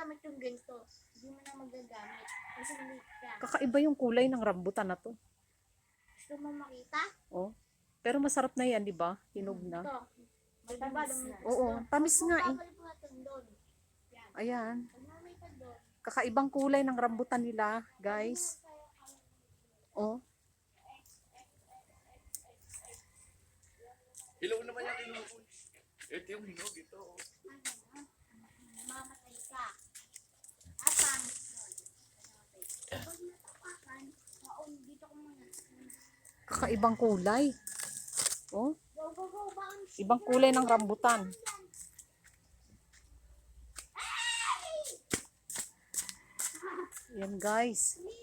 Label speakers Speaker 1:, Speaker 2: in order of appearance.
Speaker 1: magagamit yung ganito. Hindi mo na magagamit. Kasi late ka.
Speaker 2: Kakaiba yung kulay ng rambutan na to.
Speaker 1: Gusto mo makita?
Speaker 2: Oh. Pero masarap na yan, di ba? Hinog na.
Speaker 1: Ito. Matamis na.
Speaker 2: Oo, tamis nga eh.
Speaker 1: Babalik natin doon. Yan.
Speaker 2: Ayan.
Speaker 1: Pag nakita doon,
Speaker 2: Kakaibang kulay ng rambutan nila, guys. Oh.
Speaker 3: Hilaw naman yung hinog. Ito yung hinog, ito.
Speaker 1: mamatay ka. Tapang. Pag natapakan, dito ko muna.
Speaker 2: Kakaibang kulay. Oh.
Speaker 1: Go, go, go. Bounce.
Speaker 2: Ibang kulay ng rambutan. Yan guys.